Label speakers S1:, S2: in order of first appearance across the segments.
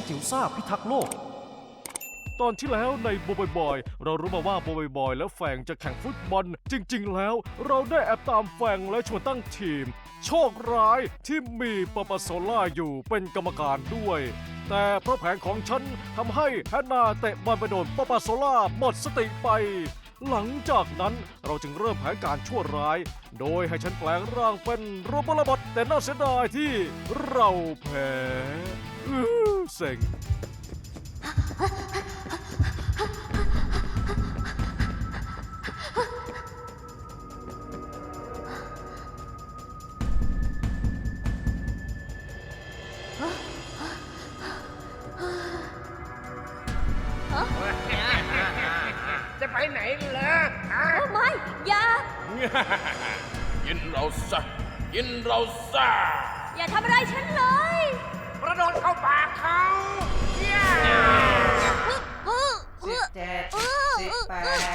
S1: จิ๋วซ่าพิทักษ์โลกตอนที่แล้วในโบบอยเรารู้มาว่าโบบอยและแฟงจะแข่งฟุตบอลจริงๆแล้วเราได้แอบตามแฟงและชวนตั้งทีมโชคร้ายที่มีปปโซล่าอยู่เป็นกรรมการด้วยแต่เพราะแผนของฉันทำให้แฮนนาเตะบอลไปโดนปปโซล่าหมดสติไปหลังจากนั้นเราจึงเริ่มแผนการชั่วร้ายโดยให้ฉันแปลงร่างเป็นโรบอทบอทแต่น่าเสียดายที่เราแพ้เซ็ง
S2: จะไปไหนล่ะ
S3: โอ้ไม่อย่า
S4: กินเราซะกินเราซะ
S3: อย่าทำอะไรฉันเลย
S2: กระโดดเข้าปากเขาเย้
S5: 17 18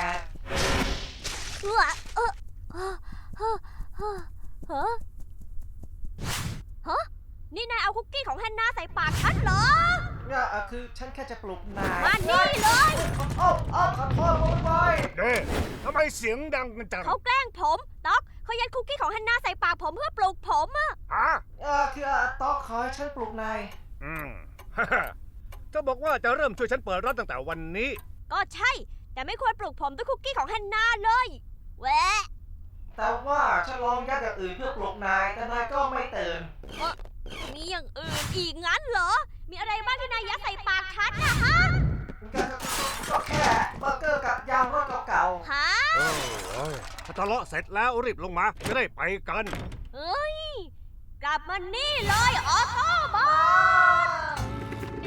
S3: ฮะนี่นายเอาคุกกี้ของแฮนนาใส่ปากฉันเหรอ
S5: คือฉันแค่จะปลุกนาย
S3: มานี่เลย
S5: โอ้ขอโทษผมไป
S2: เด้ทำไมเสียงดังกันจัง
S3: เขาแกล้งผมต๊อกเขายัดคุกกี้ของแฮนนาใส่ปากผมเพื่อปลุกผมอะ
S2: อ่ะ
S5: คือต๊อกขอให้ฉันปลุกนาย
S2: เธอบอกว่าจะเริ่มช่วยฉันเปิดร้านตั้งแต่วันนี้
S3: ก็ใช่ แต่ไม่ควรปลุกผมด้วยคุกกี้ของแฮนนาเลยแหวะ
S5: แต่ว่าฉันลองยัดอย่างอื่นเพื่อปลุกนาย แต่นายก็ไม่ตื่น
S3: มีอย่างอื่นอีกงั้นเหรอ มีอะไรบ้างที่นายยัดใส่ปากฉันนะฮะ
S5: ก็แค่เบอร์เกอร์กับยางรถเก่า
S3: ฮะ
S2: ถ้าทะเลาะเสร็จแล้วรีบลงมาจะได้ไปกัน
S3: เฮ้ย กลับมานี่เลยออโต้บอท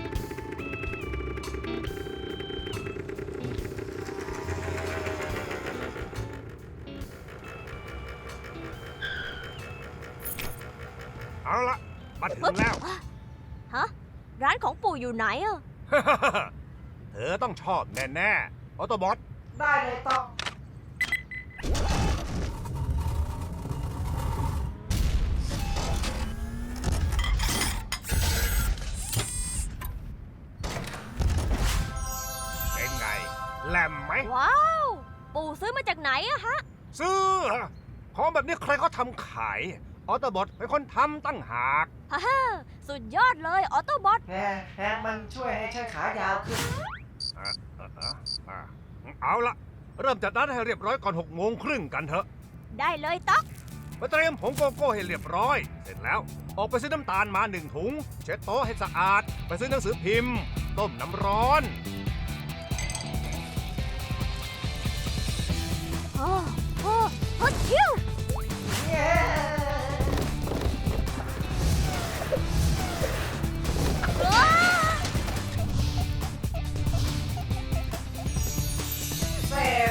S2: เอาละมาถึงแล้ว
S3: ฮะ ร้านของปู่อยู่ไหนอะ
S2: เธอต้องชอบแน่ๆออโตบอท
S5: ๆ ได้เลยต๊อก
S2: เป็นไงแหลมไหม
S3: ว้าว ปู่ซื้อมาจากไหนอะฮะ
S2: ซื้อของแบบนี้ใครเขาทำขายออโตบอทเป็นคนทำตั้งหาก
S3: ฮ่าฮ่าสุดยอดเลยออโต้บอท
S5: แฮนมันช่วยให้ฉันขายาวขึ้น
S2: เอาละเริ่มจัดร้านให้เรียบร้อยก่อน6:30กันเถอะ
S3: ได้เลยต๊อก
S2: ไปเตรียมผงโกโก้ให้เรียบร้อย เสร็จแล้ว ออกไปซื้อน้ำตาลมา1 ถุง เช็ดโต๊ะให้สะอาด ไปซื้อหนังสือพิมพ์ ต้มน้ำร้อน
S3: โอ้โอ้โอ้ชิว
S5: เย้
S3: ว้า
S5: เซฟ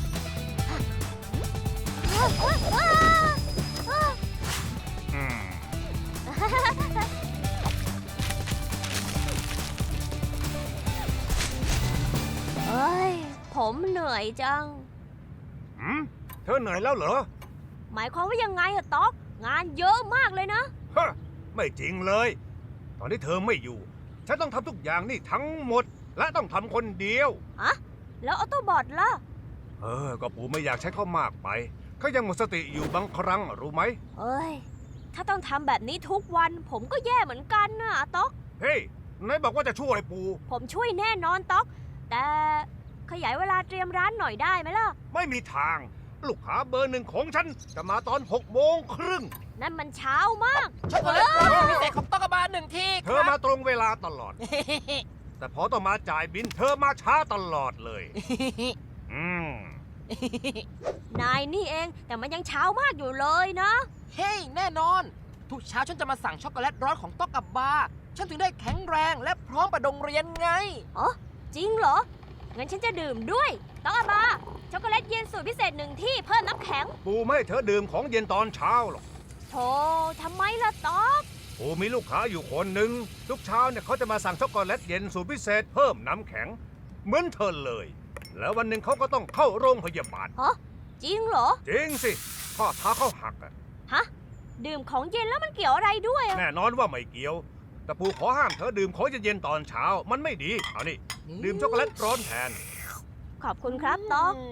S3: ว้าว้าว้าว้า
S2: อืม
S3: เอ้ย ผมเหนื่อยจัง
S2: เธอเหนื่อยแล้วเหรอ
S3: หมายความว่ายังไงอะต๊อก งานเยอะมากเลยนะ
S2: ฮะ ไม่จริงเลย ตอนที่เธอไม่อยู่ ฉันต้องทำทุกอย่างนี่ทั้งหมด และต้องทำคนเดียว
S3: อะแล้วออโต้บอทล่ะ
S2: ก็ปู่ไม่อยากใช้เขามากไป เขายังหมดสติอยู่บางครั้งรู้ไหม
S3: เอ้ย ถ้าต้องทำแบบนี้ทุกวัน ผมก็แย่เหมือนกันนะต๊อก
S2: เฮ้ยไหนบอกว่าจะช่วยปู่
S3: ผมช่วยแน่นอนต๊อก แต่ขยายเวลาเตรียมร้านหน่อยได้ไหมล่ะ
S2: ไม่มีทาง ลูกค้าเบอร์ 1ของฉันจะมาตอน6:30
S3: นั่นมันเช้ามาก
S4: ช็อกโกแลตรสพิเศษของต๊อกบา1 ที่
S2: เธอมาตรงเวลาตลอด แต่พอต้องมาจ่ายบินเธอมาช้าตลอดเลย อืม
S3: นายนี่เอง แต่มันยังเช้ามากอยู่เลยนะ
S4: เฮ้ยแน่นอน ทุกเช้าฉันจะมาสั่งช็อกโกแลตร้อนของต๊อกกับบาร์ฉันถึงได้แข็งแรงและพร้อมไปโรงเรียนไง
S3: อ๋อ จริงเหรอ งั้นฉันจะดื่มด้วยต้องอาบา ช็อกโกแลตเย็นสูตรพิเศษ1 ที่เพิ่มน้ำแข็ง
S2: ปู่ไม่ให้เธอดื่มของเย็นตอนเช้าหรอก
S3: โธ่ทำไมล่ะต๊อก
S2: ปู่มีลูกค้าอยู่คนหนึ่งทุกเช้าเนี่ยเขาจะมาสั่งช็อกโกแลตเย็นสูตรพิเศษเพิ่มน้ำแข็ง เหมือนเธอเลย แล้ววันหนึ่งเขาก็ต้องเข้าโรงพยาบาล
S3: ฮะ จริงเหรอ
S2: จริงสิข้อเท้าเขาหักอะ
S3: ฮะ ดื่มของเย็นแล้วมันเกี่ยวอะไรด้วยอะ
S2: แน่นอนว่าไม่เกี่ยวแต่ปู่ขอห้ามเธอดื่มของเย็นๆตอนเช้า มันไม่ดี เอานี่ ดื่มช็อกโกแลตร้อนแทน
S3: ขอบคุณครับต๊อก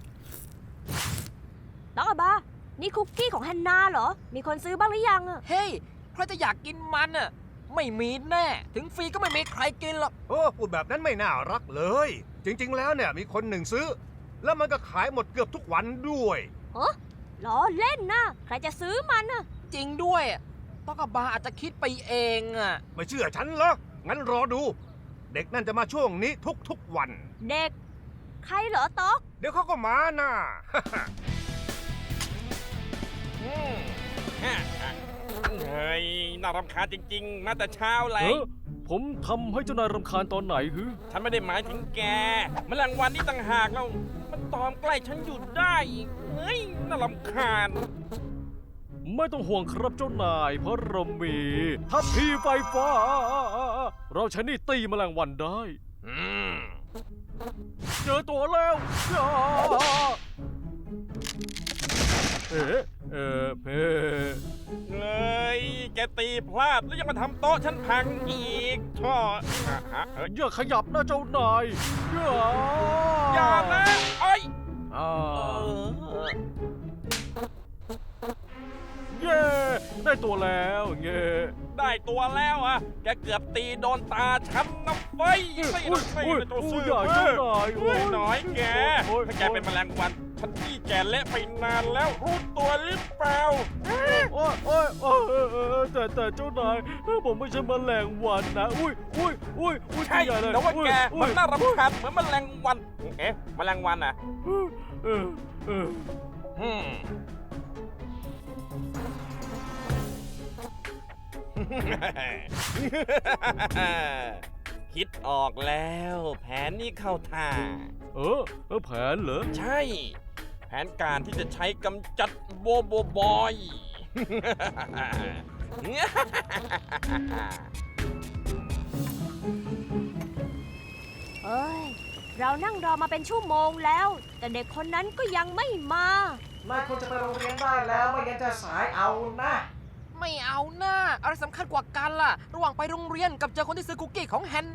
S3: ต๊อกอาบา นี่คุกกี้ของฮันนาเหรอ มีคนซื้อบ้างหรือยังอะ
S4: เฮ้ยใครจะอยากกินมันอ่ะ ไม่มีแน่ ถึงฟรีก็ไม่มีใครกินหรอก
S2: โอ้พูดแบบนั้นไม่น่ารักเลย จริงๆ แล้วเนี่ยมีคนหนึ่งซื้อ แล้วมันก็ขายหมดเกือบทุกวันด้วย
S3: ล้อเล่นนะ ใครจะซื้อมันอะ
S4: จริงด้วยต๊อกกับบาอาจจะคิดไปเองอ่ะ
S2: ไม่เชื่อฉันเหรอ งั้นรอดู เด็กนั่นจะมาช่วงนี้ทุกๆวัน
S3: เด็ก ใครเหรอต๊อก
S2: เดี๋ยวเขาก็มาน่ะ
S6: เฮ้ย น่ารำคาญจริงๆ มาแต่เช้าเล
S1: เอย อผมทำให้เจ้านายรำคาญตอนไหนฮึ
S6: ฉันไม่ได้หมายถึงแกแมลงวันนี่ต่างหากแล้ว มันตอมใกล้ฉันอยู่ได้อีกเฮ้ย น่ารำคาญ
S1: ไม่ต้องห่วงครับเจ้านาย เพราะเรามีทัพพีไฟฟ้า เราใช้นี่ตีแมลงวันได้
S6: อืม
S1: เจอตัวแล้วจ้าเอ๊ะเพ่
S6: เลย แกตีพลาดแล้วยังมาทำโต๊ะฉันพังอีกช่อเฮ้ย
S1: อย่าขยับนะเจ้านายอย่า
S6: อย่านะเอ้ย
S1: อ่า
S6: เออ
S1: เย้ได้ตัวแล้วเย้
S6: ได้ตัวแล้วอ่ะ แกเกือบตีโดนตาฉันนะเฟ้ยไม่
S1: อุ้ย
S6: ไม่
S1: อุ้ย
S6: ตัว
S1: อุ้
S6: ซื่
S1: ย
S6: อ
S1: อย่าเจ้านาย
S6: เฮ้ยน้อยแก
S1: โอ้ย
S6: ถ้าแกเป็นแมลงวัน ฉันที่แกเละไปนานแล้วรู้ตัวหรือเปล่า
S1: โอ้ยโอ้ยโอ้ยแต่เจ้านายผมไม่ใช่แมลงวันนะอุ้ยอุ้ย
S6: ใช่
S1: ตัวหญ่เลย
S6: แต่ว่าแก
S1: อุ้
S6: มัน
S1: ย
S6: น่ารำคาญเหมือนแมลงวัน เอ๊ะแมลงวันอ่ะ
S1: เออ
S6: อืม คิดออกแล้ว แผนนี้เข้าท่า
S1: แผนเหรอ
S6: ใช่ แผนการที่จะใช้กำจัดโบโบบอย
S3: เอ้ย เรานั่งรอมาเป็นชั่วโมงแล้ว แต่เด็กคนนั้นก็ยังไม่มา
S5: นายควรจะไปโรงเรียนได้แล้วไม่งั้นจะสายเอานะ
S4: ไม่เอาหน้าอะไรสำคัญกว่ากันล่ะ ระหว่างไปโรงเรียนกับเจอคนที่ซื้อคุกกี้ของแฮนนา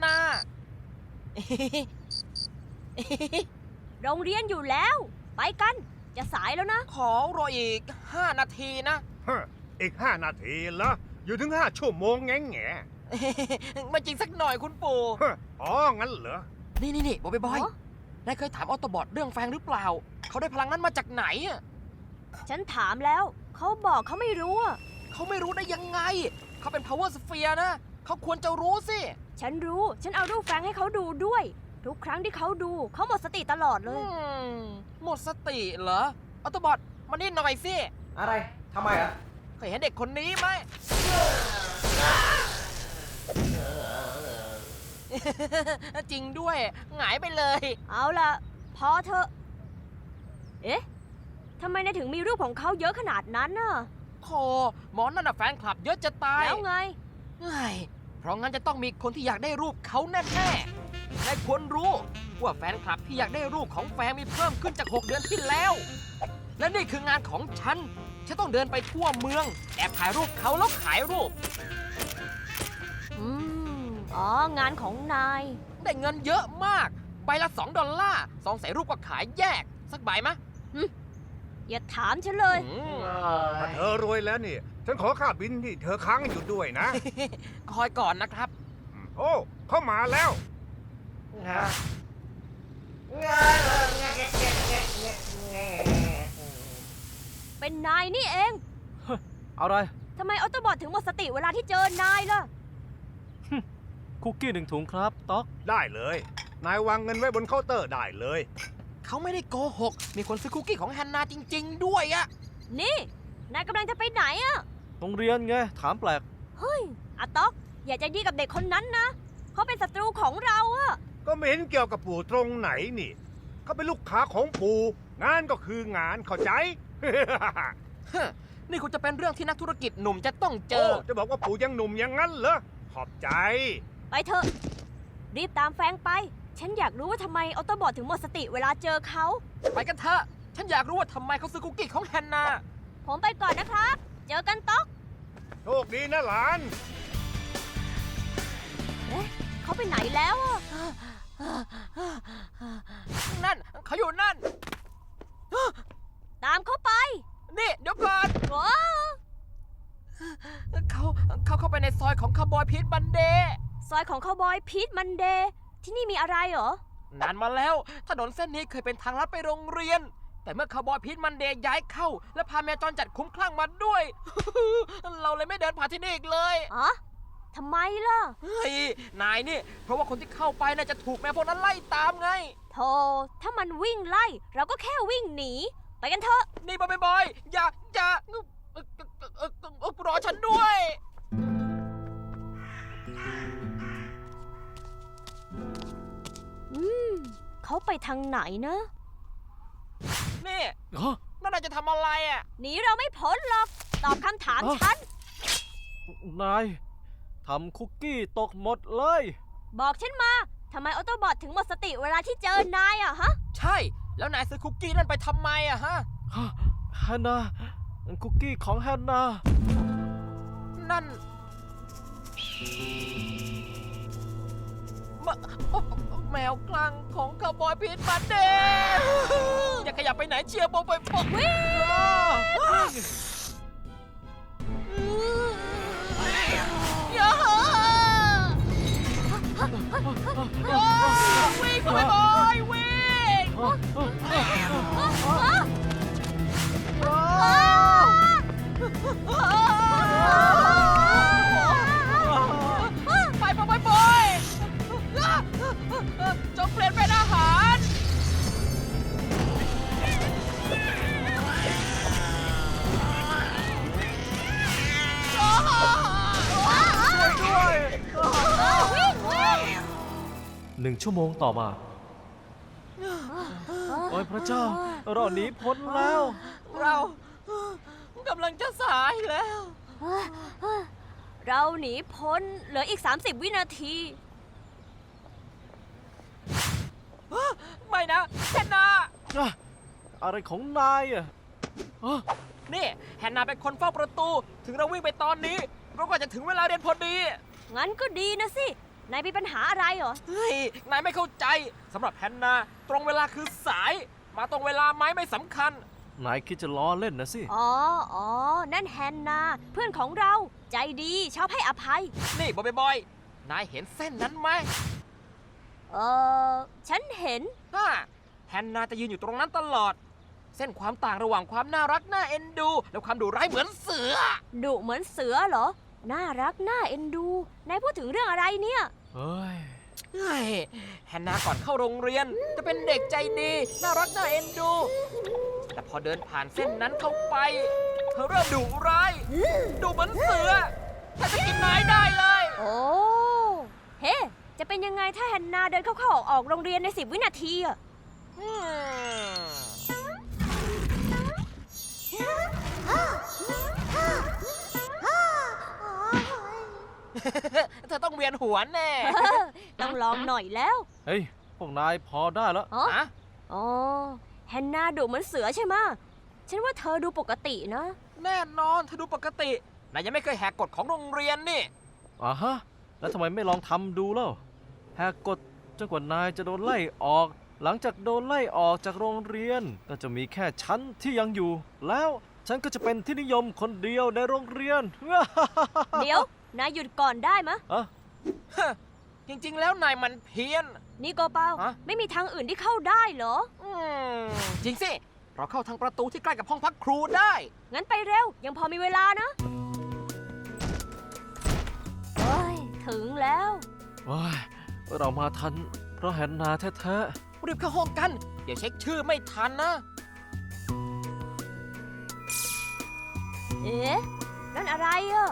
S3: โรงเรียนอยู่แล้ว ไปกัน จะสายแล้วนะ
S4: ขอรออีก 5 นาทีนะ
S2: ฮะอีก 5 นาทีเหรอ อยู่ถึง 5 ชั่วโมงแง่แง่
S4: ไม่จริงสักหน่อยคุณปู่
S2: ฮะอ๋อ งั้นเหรอ
S4: นี่บอยบอย
S3: เหรอ
S4: นายเคยถามออโตบอทเรื่องแฟงหรือเปล่า เขาได้พลังนั้นมาจากไหนอะ
S3: ฉันถามแล้ว เขาบอกเขาไม่รู้อะ
S4: เขาไม่รู้ได้ยังไง เขาเป็น power sphere นะ เขาควรจะรู้สิ
S3: ฉันรู้ ฉันเอารูปแฟรงค์ให้เขาดูด้วย ทุกครั้งที่เขาดู เขาหมดสติตลอดเลย
S4: หมดสติเหรอออโตบอทมานี่หน่อยสิ
S5: อะไรทำไมอ่ะ
S4: เคยเห็นเด็กคนนี้ไหม จริงด้วยหงายไปเลย
S3: เอาล่ะ พอเถอะ เอ๊ะทำไมนายถึงมีรูปของเขาเยอะขนาดนั้นน่ะ
S4: โธ่หมอนั่นน่ะแฟนคลับเยอะจะตาย
S3: แล้วไง
S4: เฮ้ยเพราะงั้นจะต้องมีคนที่อยากได้รูปเขาแน่ๆและควรรู้ว่าแฟนคลับที่อยากได้รูปของแฟนมีเพิ่มขึ้นจาก 6 เดือนที่แล้ว และนี่คืองานของฉัน ฉันต้องเดินไปทั่วเมือง แอบถ่ายรูปเขาแล้วขายรูป
S3: อ๋อ งานของนาย
S4: ได้เงินเยอะมาก ใบละ$2 2 ใส่รูปก็ขายแยก สักใบไหม
S3: อย่าถามฉันเลย
S2: ถ้าเธอรวยแล้วนี่ ฉันขอค่าบินที่เธอค้างอยู่ด้วยนะ
S4: คอยก่อนนะครับ
S2: โอ้ เข้ามาแล้ว
S5: ฮะ
S3: เป็นนายนี่เอง
S1: อะไร
S3: ทำไมออโตบอทถึงหมดสติเวลาที่เจอนายล่ะ
S1: คุกกี้1 ถุงครับต๊อก
S2: ได้เลย นายวางเงินไว้บนเคาน์เตอร์ได้เลย
S4: เขาไม่ได้โกหก มีคนซื้อคุกกี้ของแฮนนาจริง ๆ ด้วยอะ
S3: นี่ นายกำลังจะไปไหนอะ
S1: โรงเรียนไง ถามแปลก
S3: เฮ้ยอาต๊อก อย่าใจดีกับเด็กคนนั้นนะ เขาเป็นศัตรูของเราอะ
S2: ก็ไม่เห็นเกี่ยวกับปู่ตรงไหนนี่ เขาเป็นลูกค้าของปู่ งานก็คืองานเข้าใจ
S4: ฮะนี่คงจะเป็นเรื่องที่นักธุรกิจหนุ่มจะต้องเจ
S2: โอ้
S4: อ
S2: จะบอกว่าปู่ยังหนุ่มอย่างนั้นเหรอ ขอบใจ
S3: ไปเถอะ รีบตามแฟรงค์ไป ฉันอยากรู้ว่าทำไมออโตบอทถึงหมดสติเวลาเจอเขา
S4: ไปกันเถอะ ฉันอยากรู้ว่าทำไมเขาซื้อคุกกี้ของแฮนนา
S3: ผมไปก่อนนะครับ เจอกันต๊อก
S2: โชคดีนะหลาน
S3: เอ๊ะเขาไปไหนแล้วอะ
S4: นั่นเขาอยู่นั่น
S3: ตามเขาไป
S4: นี่เดี๋ยวก่อน
S3: ว้าว
S4: เขาเข้าไปในซอยของคาวบอยพีทบันเดย์
S3: ซอยของคาวบอยพีทมันเดย์ที่นี่มีอะไรเหรอ
S4: นานมาแล้วถนนเส้นนี้เคยเป็นทางลัดไปโรงเรียน แต่เมื่อคาวบอยพีทมันเดย์ย้ายเข้า และพาแมวจรจัดคุ้มคลั่งมาด้วย เราเลยไม่เดินผ่านที่นี่อีกเลย
S3: อ๋อทำไมล่ะ
S4: เฮ้ยนายนี่เพราะว่าคนที่เข้าไปน่าจะถูกแมวพวกนั้นไล่ตามไง
S3: โธ่ถ้ามันวิ่งไล่ เราก็แค่วิ่งหนี ไปกันเถอะ
S4: นี่บอยอย่ารอฉันด้วย
S3: เขาไปทางไหนนะ
S4: นี่
S1: ฮะ
S4: นั่นนายจะทำอะไรอ่ะ
S3: หนีเราไม่พ้นหรอก ตอบคำถามฉัน
S1: นายทำคุกกี้ตกหมดเลย
S3: บอกฉันมา ทำไมออโตบอทถึงหมดสติเวลาที่เจอนายอะฮะ
S4: ใช่ แล้วนายซื้อคุกกี้นั่นไปทำไมอะฮะ
S1: ฮานาคุกกี้ของฮานา
S4: นั่นแมวกลางของคาวบอยพีทบันเดย์อย่าขยับไปไหนเชียร์บอยวิ่งอย่าวิ่งบอยวิ่งไปจงเปลี่ยนเป็นอาหาร
S1: 1 ชั่วโมงต่อมา โอ้ยพระเจ้า เราหนีพ้นแล้ว
S4: เรากำลังจะสายแล้ว
S3: เราหนีพ้นเหลืออีก 30 วินาที
S4: ไม่นะแฮนนา
S1: อะไรของนายอ่ะฮะ
S4: นี่แฮนนาเป็นคนเฝ้าประตู ถึงเราวิ่งไปตอนนี้เราก็จะถึงเวลาเรียนพอดี
S3: งั้นก็ดีนะสิ นายมีปัญหาอะไรเหรอ
S4: เฮ้ย นายไม่เข้าใจสำหรับแฮนนาตรงเวลาคือสาย มาตรงเวลาไหมไม่สำคัญ
S1: นายคิดจะล้อเล่นนะสิ
S3: อ๋อ นั่นแฮนนา เพื่อนของเรา ใจดีชอบให้อภัย
S4: นี่บอย นายเห็นเส้นนั้นไหม
S3: ฉันเห็น
S4: แฮนนาจะยืนอยู่ตรงนั้นตลอด เส้นความต่างระหว่างความน่ารักน่าเอ็นดู และความดุร้ายเหมือนเสือ
S3: ดุเหมือนเสือเหรอ น่ารักน่าเอ็นดู นายพูดถึงเรื่องอะไรเนี่ย
S1: เฮ้ย
S4: เฮ้ยแฮนนาก่อนเข้าโรงเรียน จะเป็นเด็กใจดี น่ารักน่าเอ็นดู แต่พอเดินผ่านเส้นนั้นเข้าไป เธอเริ่มดุร้ายดุเหมือนเสือถ้าจะกินนายได้เลย
S3: โอ้ เฮ้ จะเป็นยังไงถ้าแฮนนาเดินเข้าออกโรงเรียนใน 10 วินาทีอะ
S4: เธอต้องเวียนหัวแน่
S3: ต้องลองหน่อยแล้ว
S1: เฮ้ย พวกนายพอได้แล้ว
S3: อ๋อ
S4: ฮะ
S3: อ๋อ แฮนนาดุเหมือนเสือใช่ไหมะ ฉันว่าเธอดูปกตินะ
S4: แน่นอนเธอดูปกติ นายยังไม่เคยแหกกฎของโรงเรียนนี่
S1: อ่าฮะ แล้วทำไมไม่ลองทำดูเล่าแหกกฎจนกว่านายจะโดนไล่ออก หลังจากโดนไล่ออกจากโรงเรียน ก็จะมีแค่ฉันที่ยังอยู่ แล้วฉันก็จะเป็นที่นิยมคนเดียวในโรงเรียน
S3: เดี๋ยว นายหยุดก่อนได้มะ
S1: อะ
S4: จริงๆ แล้วนายมันเพี้ยน
S3: นี่โกเปา
S4: ฮะ
S3: ไม่มีทางอื่นที่เข้าได้เหรอ
S4: จริงสิ เราเข้าทางประตูที่ใกล้กับห้องพักครูได้
S3: งั้นไปเร็ว ยังพอมีเวลานะเฮ้ย ถึงแล้ว
S1: ว้ายเรามาทัน เพราะแฮนนาแท้
S4: รีบเข้าห้องกัน เดี๋ยวเช็คชื่อไม่ทันนะ
S3: เอ๊ะ นั่นอะไรอะ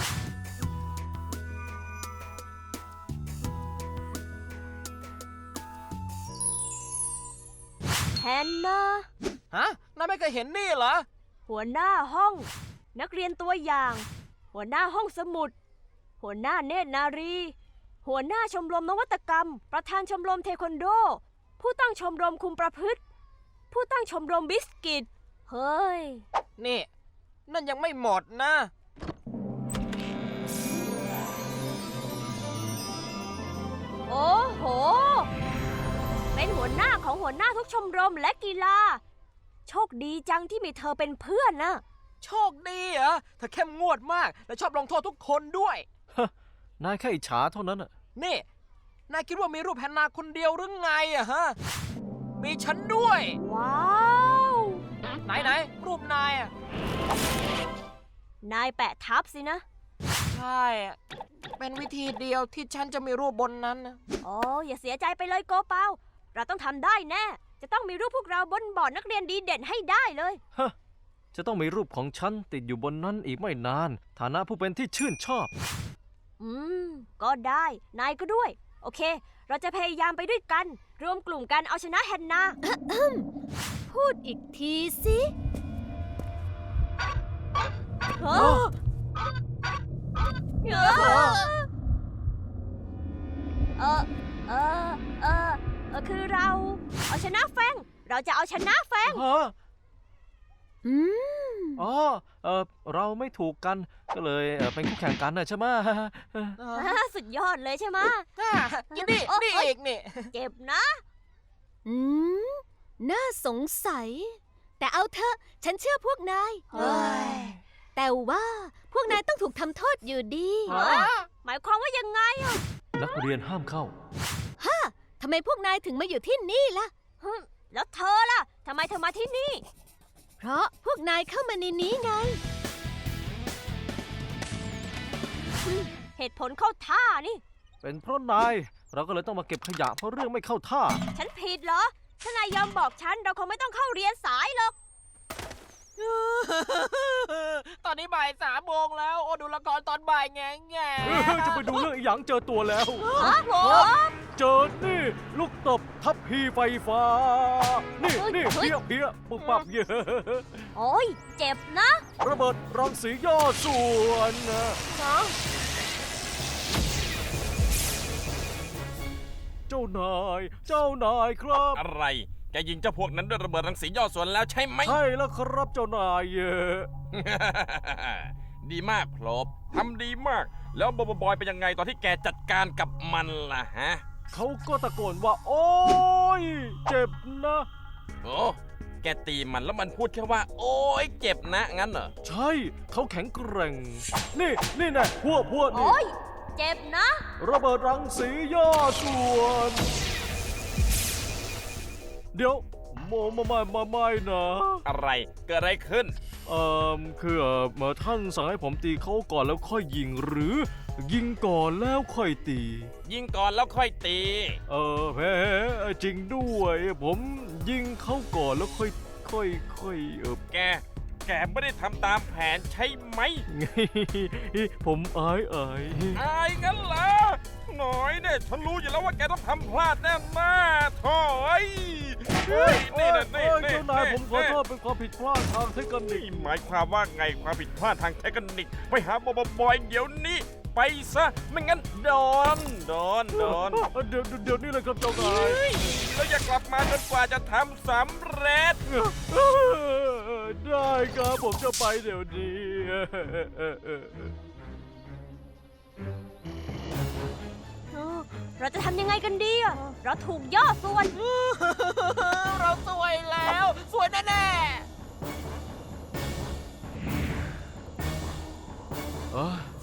S3: แฮนนา
S4: ฮะ นายไม่เคยเห็นนี่เหรอ
S3: หัวหน้าห้อง นักเรียนตัวอย่าง หัวหน้าห้องสมุด หัวหน้าเนตรนารี หัวหน้าชมรมนวัตกรรม ประธานชมรมเทควันโด ผู้ตั้งชมรมคุมประพฤติ ผู้ตั้งชมรมบิสกิต เฮ้ย
S4: นี่ นั่นยังไม่หมดนะ
S3: โอ้โห เป็นหัวหน้าของหัวหน้าทุกชมรมและกีฬา โชคดีจังที่มีเธอเป็นเพื่อนนะ
S4: โชคดีเหรอเธอเข้มงวดมาก และชอบลงโทษทุกคนด้วย
S1: นายแค่อิจฉาเท่านั้นอะ
S4: นี่ นายคิดว่ามีรูปแฮนนาคนเดียวหรือไงอะฮะ มีฉันด้วย
S3: ว้าว
S4: ไหนรูปนายอะ
S3: นายแปะทับสินะ
S4: ใช่อะเป็นวิธีเดียวที่ฉันจะมีรูปบนนั้นนะ
S3: โอ้อย่าเสียใจไปเลยโกเปา เราต้องทำได้แน่ จะต้องมีรูปพวกเราบนบอร์ดนักเรียนดีเด่นให้ได้เลย
S1: ฮะ จะต้องมีรูปของฉันติดอยู่บนนั้นอีกไม่นาน ฐานะผู้เป็นที่ชื่นชอบ
S3: ก็ได้ นายก็ด้วย โอเค เราจะพยายามไปด้วยกัน รวมกลุ่มกันเอาชนะแฮนนา พูดอีกทีสิคือเราเอาชนะแฟง เราจะเอาชนะแฟง
S1: ฮะอ๋อ เราไม่ถูกกัน ก็เลยเป็นคู่แข่งกันนะใช่ไหม
S3: สุดยอดเลยใช่ไหม
S4: นี่นี่อีกนี่
S3: เจ็บนะ
S7: น่าสงสัย แต่เอาเถอะ ฉันเชื่อพวกนาย
S3: เฮ้ย
S7: แต่ว่าพวกนายต้องถูกทำโทษอยู่ดี
S3: หมายความว่ายังไงอะ
S1: นักเรียนห้ามเข้า
S7: ทำไมพวกนายถึงมาอยู่ที่นี่ล่ะ
S3: แล้วเธอล่ะ ทำไมเธอมาที่นี่
S7: เพราะพวกนายเข้ามาในนี้ไง
S3: เหตุผลเข้าท่านี่
S1: เป็นเพราะนาย เราก็เลยต้องมาเก็บขยะเพราะเรื่องไม่เข้าท่า
S3: ฉันผิดเหรอ ถ้านายยอมบอกฉัน เราคงไม่ต้องเข้าเรียนสายหรอก
S4: ตอนนี้บ่าย3 โมงแล้ว โอ้ดูละครตอนบ่ายแง่ๆ
S1: จะไปดูเรื่องอีหยังเจอตัวแล้ว เจอนี่ ลูกตบทัพพีไฟฟ้า นี่
S3: เฮ้ย
S1: นี่
S3: เฮ้ย
S1: เพี้ยปุบปับเยอะ
S3: โอ้ย เจ็บนะ
S1: ระเบิดรังสีย่อส่วนนะ เจ้านายครับ
S6: อะไร แกยิงเจ้าพวกนั้นด้วยระเบิดรังสีย่อส่วนแล้วใช่ไหม
S1: ใช่แล้วครับเจ้านายเยอะ
S6: ดีมากพลบทำดีมาก แล้วบอยเป็นยังไงตอนที่แกจัดการกับมันล่ะฮะ
S1: เขาก็ตะโกนว่า โอ๊ย เจ็บนะ
S6: โอ้แกตีมันแล้วมันพูดแค่ว่า โอ๊ยเจ็บนะ งั้นเหรอ
S1: ใช่ เขาแข็งแกร่ง นี่นะพวกนี่
S3: โอ้ย เจ็บนะ
S1: ระเบิดรังสีย่อส่วน เดี๋ยวไม่นะ
S6: อะไร เกิดอะไรขึ้น
S1: คือท่านสั่งให้ผมตีเขาก่อนแล้วค่อยยิงหรือ ยิงก่อนแล้วค่อยตี
S6: ยิงก่อนแล้วค่อยตี
S1: แพ้จริงด้วย ผมยิงเขาก่อนแล้วค่อย
S6: แกไม่ได้ทำตามแผนใช่ไหม
S1: ผมอาย
S6: อายงั้นเหรอหน่อยเนี่ยฉันรู้อยู่แล้วว่าแกต้องทำพลาดแน่ๆโถ่เฮ้ยนี่นะนี่
S1: เจ้านายผมขอโทษเป็นความผิดพลาดทางเทคนิ
S6: นี่
S1: ค
S6: หมายความว่าไงความผิดพลาดทางเทคนิคไปหาบอยเดี๋ยวนี้ ไปซะไม่งั้นโดน
S1: เดี๋ยวนี้เลยครับเจ้านาย
S6: แล้วอย่ากลับมาจนกว่าจะทำสำเร็จ
S1: ได้ครับผมจะไปเดี๋ยวนี้
S3: เราจะทำยังไงกันดีอะเราถูกย่อส่วน
S4: เราสวยแล้ว สวยแน่ๆ